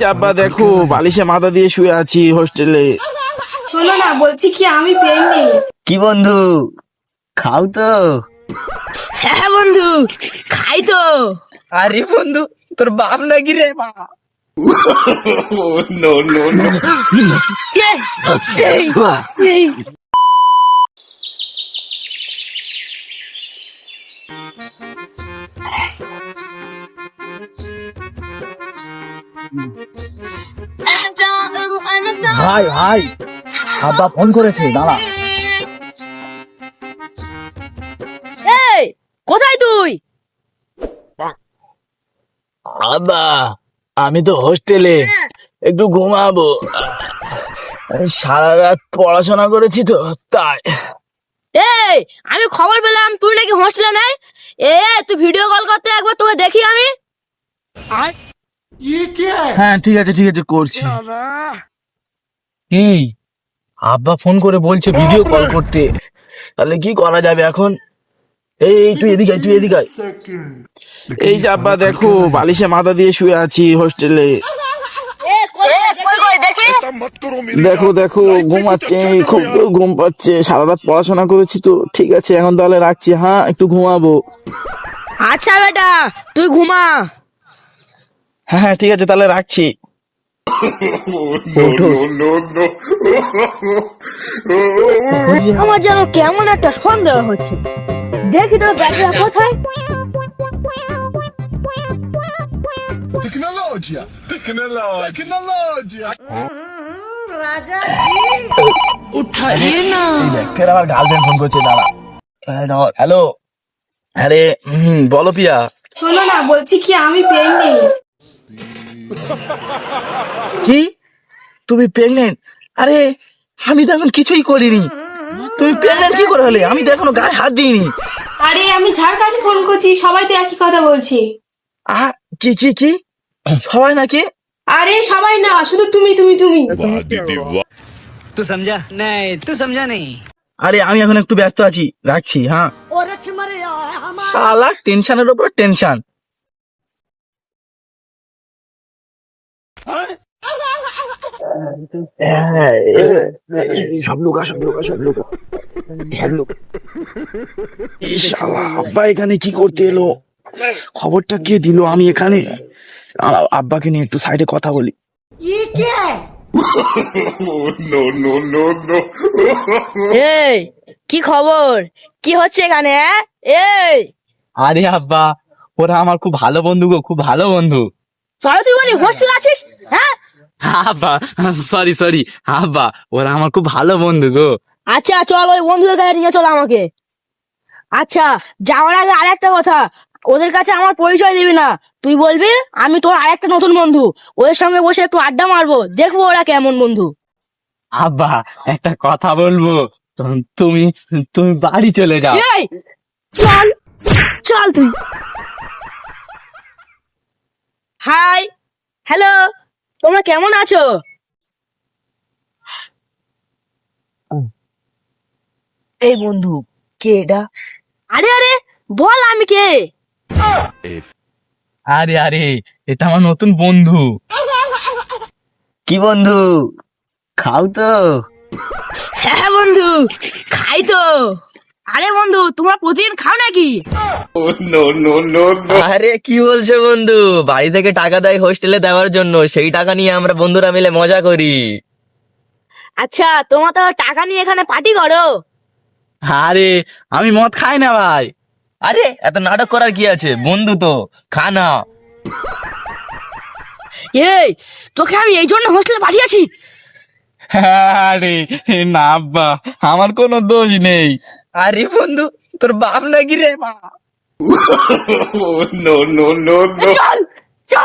আব্বা দেখো বালিশে মাথা দিয়ে শুয়ে আছি হোস্টেলে। শোনো না, বলছি কি আমি পেইনি। কি বন্ধু, খাও তো? হ্যাঁ বন্ধু, খাই তো। আরে বন্ধু, তোর বাপ নাকি রে? ভাই ভাই, আব্বা ফোন করেছে, দাঁড়া। এই কোথায় তুই? আব্বা আমি তো হোস্টেলে, একটু ঘুমাবো। সারা রাত পড়াশোনা করেছি তো তাই। এই আমি খবর পেলাম তুই নাকি হোস্টেলে নাই। তুই ভিডিও কল করতে, একবার তোকে দেখি আমি। হ্যাঁ ঠিক আছে করছি। এই আব্বা ফোন করে বলছে ভিডিও কল করতে, তাহলে কি করা যাবে এখন? এই তুই এদিকে আয়। এই যে আব্বা দেখো বালিশে মাথা দিয়ে শুয়ে আছি হোস্টেলে। দেখো ঘুমাচ্ছে, খুব ঘুম পাচ্ছে, সারা রাত পড়াশোনা করেছি তো। ঠিক আছে এখন তাহলে রাখছি, হ্যাঁ একটু ঘুমাবো। আচ্ছা বেটা তুই ঘুমা। হ্যাঁ ঠিক আছে তাহলে রাখছি। আমার যেন কেমন একটা সন্দেহ হচ্ছে। দেখি তোর ব্যাগটা কোথায়। ফের আমার গার্লফ্রেন্ড ফোন করছে, দাঁড়া। হ্যালো, আরে বলো পিয়া। শোনো না, বলছি কি আমি পেইনি। কি তুমি প্রেগনেন্ট? আরে আমি তো এখন কিছুই করিনি। তুমি প্রেগনেন্ট কি করে হলে? আমি তো এখনো গায়ে হাত দিইনি। আরে আমি যার কাছে ফোন করছি সবাই তো একই কথা বলছি। কি সবাই নাকি? আরে সবাই না, শুধু তুমি। तू समझा नहीं, तू समझा नहीं। আরে আমি এখন একটু ব্যস্ত আছি, রাখছি। হ্যাঁ শালা টেনশনের উপর টেনশন। সব লোক আব্বা এখানে কি করতে এলো? খবরটা কে দিল? আমি এখানে আব্বাকে নিয়ে একটু সাইডে কথা বলি। এই কি খবর, কি হচ্ছে এখানে? এই আরে আব্বা, ওরা আমার খুব ভালো বন্ধু গো, খুব ভালো বন্ধু। তুই বলি হোস্টেল আছিস? হ্যাঁ আব্বা সরি আব্বা, ওরা আমার খুব ভালো বন্ধু গো। আচ্ছা চল, ওই বন্ধুদের কাছে নিয়ে চল আমাকে। আচ্ছা যাওয়ার আগে আরেকটা কথা, ওদের কাছে আমার পরিচয় দিবি না। তুই বলবি আমি তোর আরেকটা নতুন বন্ধু, ওদের সঙ্গে বসে একটু আড্ডা মারবো, দেখবো ওরা কেমন বন্ধু। আব্বা একটা কথা বলবো, তুমি তুমি বাড়ি চলে যাও। এই চল তুই। হাই হ্যালো, তোমরা কেমন আছো? এই বন্ধু, কে এটা? আরে বল আমি কে। আরে এটা আমার নতুন বন্ধু। কি বন্ধু, খাও তো? হ্যাঁ বন্ধু খাই তো। আরে বন্ধু তোমরা প্রতিদিন খাও নাকি? আরে কি বলছো বন্ধু, বাড়ি থেকে টাকা দেয় হোস্টেলে দেওয়ার জন্য, সেই টাকা নিয়ে আমরা বন্ধুরা মিলে মজা করি। আচ্ছা তোমরা তো টাকা নিয়ে এখানে পার্টি করো? আরে আমি মদ খাই না ভাই। আরে এত নাটক করার কি আছে, বন্ধু তো, খানা। এই তোকে আমি এই জন্য হোস্টেলে পাঠিয়েছি। আরে না আব্বা, আমার কোনো দোষ নেই। আরে বন্ধু, তোর বাপ নাকি রে? চল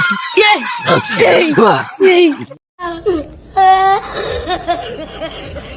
Yay!